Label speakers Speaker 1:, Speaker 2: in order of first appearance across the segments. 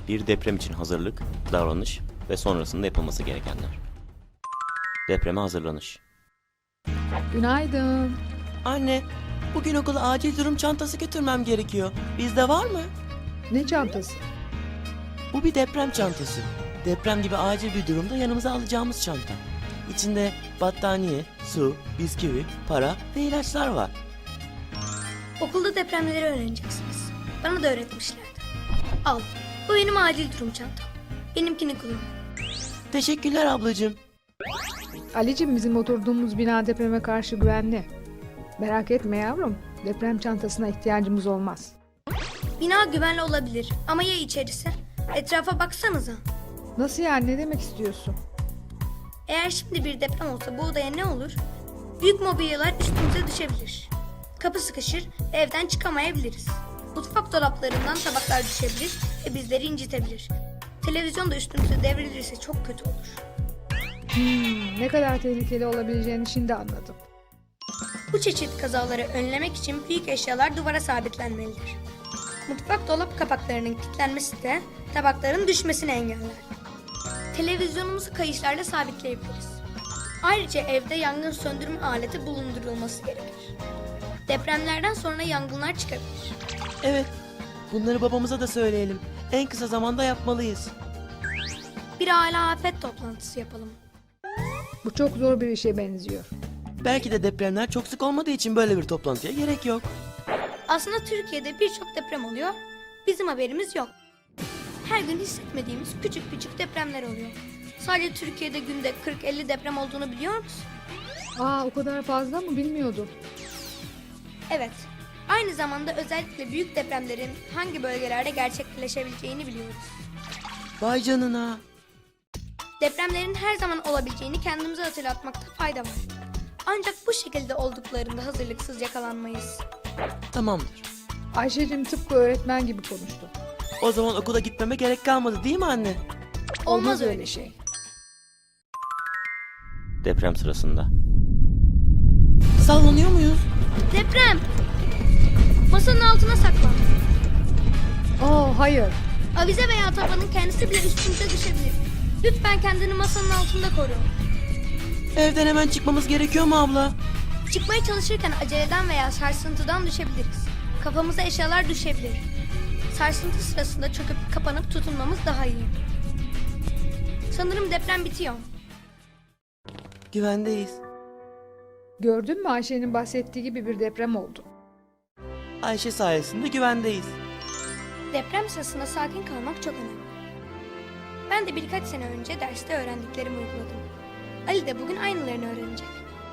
Speaker 1: Bir deprem için hazırlık, davranış ve sonrasında yapılması gerekenler. Depreme hazırlanış.
Speaker 2: Günaydın.
Speaker 3: Anne, bugün okula acil durum çantası götürmem gerekiyor. Bizde var mı?
Speaker 2: Ne çantası?
Speaker 3: Bu bir deprem çantası. Deprem gibi acil bir durumda yanımıza alacağımız çanta. İçinde battaniye, su, bisküvi, para ve ilaçlar var.
Speaker 4: Okulda depremleri öğreneceksiniz. Bana da öğretmişlerdi. Al, bu benim acil durum çantam. Benimkini kullan.
Speaker 3: Teşekkürler ablacığım.
Speaker 2: Ali'cim, bizim oturduğumuz bina depreme karşı güvenli. Merak etme yavrum. Deprem çantasına ihtiyacımız olmaz.
Speaker 4: Bina güvenli olabilir ama ya içerisi? Etrafa baksanıza.
Speaker 2: Nasıl yani, ne demek istiyorsun?
Speaker 4: Eğer şimdi bir deprem olsa bu odaya ne olur? Büyük mobilyalar üstümüze düşebilir. Kapı sıkışır ve evden çıkamayabiliriz. Mutfak dolaplarından tabaklar düşebilir ve bizleri incitebilir. Televizyon da üstümüze devrilirse çok kötü olur.
Speaker 2: Ne kadar tehlikeli olabileceğini şimdi anladım.
Speaker 4: Bu çeşit kazaları önlemek için büyük eşyalar duvara sabitlenmelidir. Mutfak dolap kapaklarının kilitlenmesi de tabakların düşmesini engeller. Televizyonumuzu kayışlarla sabitleyebiliriz. Ayrıca evde yangın söndürme aleti bulundurulması gerekir. Depremlerden sonra yangınlar çıkabilir.
Speaker 3: Evet, bunları babamıza da söyleyelim. En kısa zamanda yapmalıyız.
Speaker 4: Bir aile afet toplantısı yapalım.
Speaker 2: Bu çok zor bir işe benziyor.
Speaker 3: Belki de depremler çok sık olmadığı için böyle bir toplantıya gerek yok.
Speaker 4: Aslında Türkiye'de birçok deprem oluyor, bizim haberimiz yok. Her gün hissetmediğimiz küçük küçük depremler oluyor. Sadece Türkiye'de günde 40-50 deprem olduğunu biliyor musun?
Speaker 2: Aa, o kadar fazla mı, bilmiyordum.
Speaker 4: Evet. Aynı zamanda özellikle büyük depremlerin hangi bölgelerde gerçekleşebileceğini biliyoruz.
Speaker 3: Vay canına.
Speaker 4: Depremlerin her zaman olabileceğini kendimize hatırlatmakta fayda var. Ancak bu şekilde olduklarında hazırlıksız yakalanmayız.
Speaker 3: Tamamdır.
Speaker 2: Ayşe'cim tıpkı öğretmen gibi konuştu.
Speaker 3: O zaman okula gitmeme gerek kalmadı değil mi anne?
Speaker 4: Olmaz öyle şey.
Speaker 1: Deprem sırasında.
Speaker 3: Sallanıyor muyuz?
Speaker 4: Deprem! Masanın altına saklan.
Speaker 2: Hayır.
Speaker 4: Avize veya tabanın kendisi bile üstümüze düşebilir. Lütfen kendini masanın altında koru.
Speaker 3: Evden hemen çıkmamız gerekiyor mu abla?
Speaker 4: Çıkmaya çalışırken aceleden veya sarsıntıdan düşebiliriz. Kafamıza eşyalar düşebilir. Sarsıntı sırasında çöküp kapanıp tutunmamız daha iyi. Sanırım deprem bitiyor.
Speaker 3: Güvendeyiz.
Speaker 2: Gördün mü, Ayşe'nin bahsettiği gibi bir deprem oldu.
Speaker 3: Ayşe sayesinde güvendeyiz.
Speaker 4: Deprem sırasında sakin kalmak çok önemli. Ben de birkaç sene önce derste öğrendiklerimi uyguladım. Ali de bugün aynılarını öğrenecek.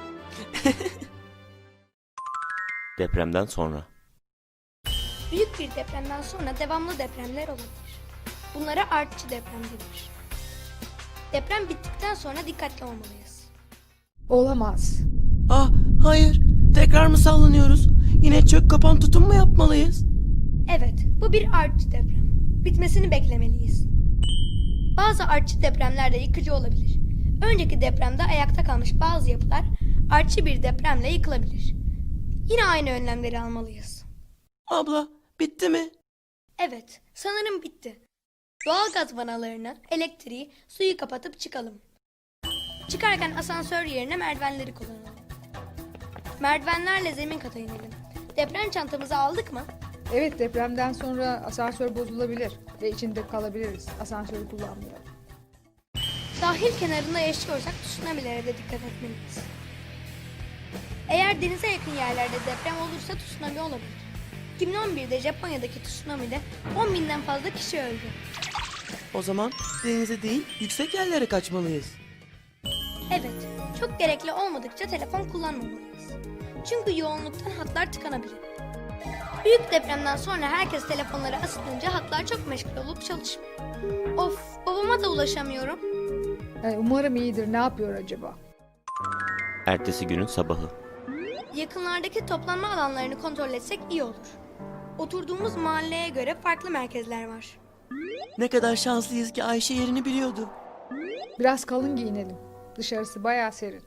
Speaker 1: Depremden sonra.
Speaker 4: Büyük bir depremden sonra devamlı depremler olabilir. Bunlara artçı deprem denir. Deprem bittikten sonra dikkatli olmalıyız.
Speaker 2: Olamaz.
Speaker 3: Ah, hayır. Tekrar mı sallanıyoruz? Yine çök kapan tutum mu yapmalıyız?
Speaker 4: Evet, bu bir artçı deprem. Bitmesini beklemeliyiz. Bazı artçı depremler de yıkıcı olabilir. Önceki depremde ayakta kalmış bazı yapılar artçı bir depremle yıkılabilir. Yine aynı önlemleri almalıyız.
Speaker 3: Abla, bitti mi?
Speaker 4: Evet, sanırım bitti. Doğalgaz vanalarını, elektriği, suyu kapatıp çıkalım. Çıkarken asansör yerine merdivenleri kullanalım. Merdivenlerle zemin kata inelim. Deprem çantamızı aldık mı?
Speaker 2: Evet, depremden sonra asansör bozulabilir ve içinde kalabiliriz. Asansörü kullanmayalım.
Speaker 4: Sahil kenarında yaşıyorsak tsunamilere de dikkat etmeliyiz. Eğer denize yakın yerlerde deprem olursa tsunami olabilir. 2011'de Japonya'daki tsunami'de 10 binden fazla kişi öldü.
Speaker 3: O zaman denize değil, yüksek yerlere kaçmalıyız.
Speaker 4: Evet, çok gerekli olmadıkça telefon kullanmamalıyız. Çünkü yoğunluktan hatlar tıkanabilir. Büyük depremden sonra herkes telefonları ısıtınca hatlar çok meşgul olup çalışmıyor. Of, babama da ulaşamıyorum.
Speaker 2: Umarım iyidir. Ne yapıyor acaba?
Speaker 1: Ertesi günün sabahı.
Speaker 4: Yakınlardaki toplanma alanlarını kontrol etsek iyi olur. Oturduğumuz mahalleye göre farklı merkezler var.
Speaker 3: Ne kadar şanslıyız ki Ayşe yerini biliyordu.
Speaker 2: Biraz kalın giyinelim. Dışarısı bayağı serin.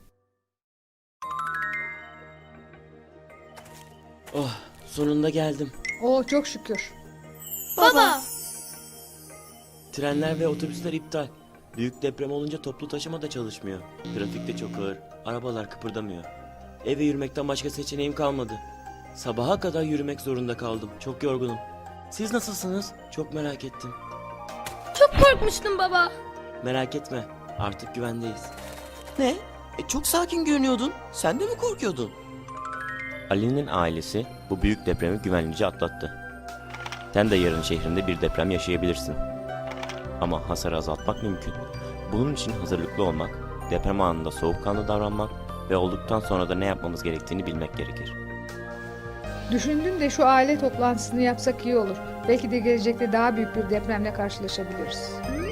Speaker 3: Oh, sonunda geldim.
Speaker 2: Çok şükür.
Speaker 4: Baba!
Speaker 3: Trenler ve otobüsler iptal. Büyük deprem olunca toplu taşıma da çalışmıyor. Trafik de çok ağır. Arabalar kıpırdamıyor. Eve yürümekten başka seçeneğim kalmadı. Sabaha kadar yürümek zorunda kaldım. Çok yorgunum. Siz nasılsınız? Çok merak ettim.
Speaker 4: Çok korkmuştum baba.
Speaker 3: Merak etme. Artık güvendeyiz.
Speaker 5: Ne? Çok sakin görünüyordun. Sen de mi korkuyordun?
Speaker 1: Ali'nin ailesi bu büyük depremi güvenlice atlattı. Sen de yarın şehrinde bir deprem yaşayabilirsin. Ama hasarı azaltmak mümkün. Bunun için hazırlıklı olmak, deprem anında soğukkanlı davranmak ve olduktan sonra da ne yapmamız gerektiğini bilmek gerekir.
Speaker 2: Düşündüm de şu aile toplantısını yapsak iyi olur. Belki de gelecekte daha büyük bir depremle karşılaşabiliriz.